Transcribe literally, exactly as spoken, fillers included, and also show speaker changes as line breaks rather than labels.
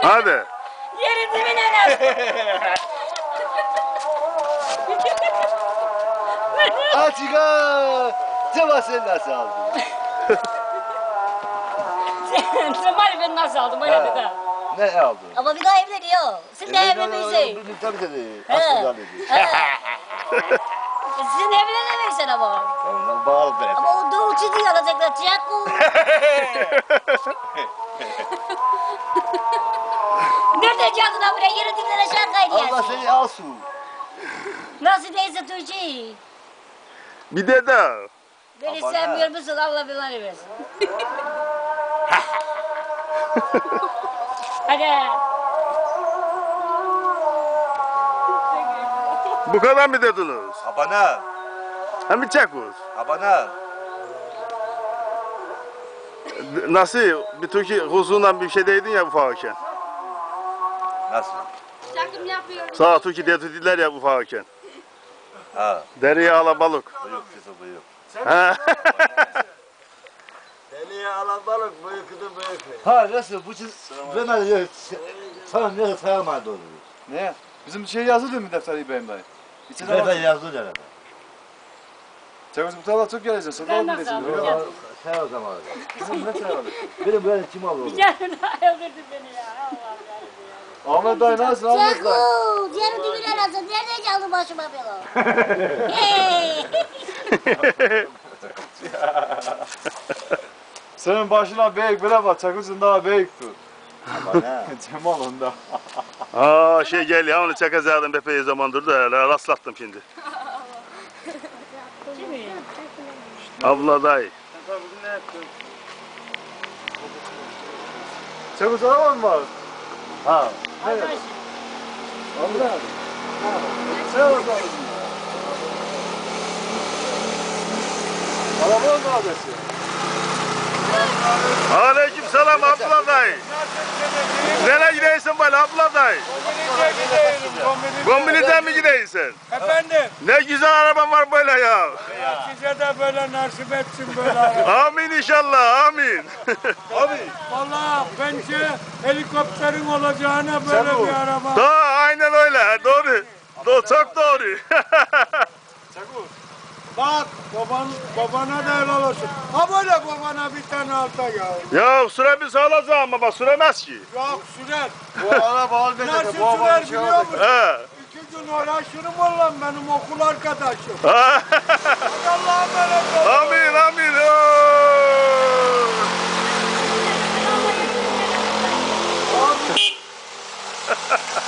Hadi.
Yerin dibine nasıl?
Açığa! Ceva sen nasıl aldın?
Cemal ben nasıl aldım öyle
Ha.
dedi.
Ne aldın?
Ama bir daha evleniyor. Siz de evlenmişsin.
Tabii tabii.
He.
Aslında dedi.
Sizin evlenemeyeceksin ama.
Ondan bağlı ben.
Ama o doğuçu diye alacaklar. Cihaku. Nereden geldin ha buraya? Yerin dibine aşağı kaydı
Allah seni alsın.
Nasıl değilse Tuğçe.
Bir de daha.
Beni
Aman
sevmiyor musun? Allah belanı versin. Hadi.
Bu kadar mı dediniz?
Abana.
Hem bir çakuz.
Abana.
Nasıl? Bir Türkiye huzurundan bir şey değdin ya ufakken.
Nasıl?
Çakım yapıyorum.
Sağ Türkiye dediler ya ufakken.
Ha.
Deriye alabalık.
Bıyık kızı bıyık.
Ha.
Deliye alan balık, bıyıkıdı bıyıkı.
Ha nasıl? Bu çiz... Ben de sana ne sayamadı onu.
Ne? Bizim şey yazılıyor mu defter İbrahim dayı? İçine
Ben de
bak.
yazdı herhalde.
Çavuş bu tarafa çok geleceksin. Sonra
Ben
oğlum
nasıl
desin.
aldım?
Yok.
Sen o zaman.
Bizim ne tarafa?
Benim böyle kim aldı onu?
Yarın öldürdün beni ya. Allah'ım yarabbim ya.
Ahmet dayı nasıl? Ahmet dayı.
Çakul. Yerin dibine nasıl? Nereden geldin başıma bela? Hey.
Senin başına büyük bile bak. Çakılsın daha büyüktür.
Abana.
Cemal onda.
Aa şey gel ya onu çakacaktım epey zamandır da rastlattım şimdi. Abla dayı.
Çakıl araban mı var?
Ha.
Arkadaş.
Allah. Sen o zaman. Arabanın mı adresi?
Aleyküm selam abla dayı. Nereye gidiyorsun böyle abla dayı?
Kombinize gidiyorum,
Kombiniden mi gidiyorsun?
Efendim,
Ne güzel araban var böyle ya.
size de böyle nasip etsin böyle araba.
Amin inşallah amin.
Abi.
Valla bence helikopterin olacağına böyle
Çabuk.
bir araba.
Doğru aynen öyle doğru. Doğru çok doğru.
Çakıl.
Bak, baban, babana da helal olsun. Ha böyle babana bir tane alta ya.
Ya süremiz alacağım ama süremez ki.
Yok sürer.
Bu araba al
Nasıl
dedi. Bu araba
sürer
şey
biliyor
aldı.
musun?
He.
İki gün uğraşırım valla benim okul arkadaşım.
Ha.
Hadi Allah'a emanet olun.
Amin amin. Oo.
Abi.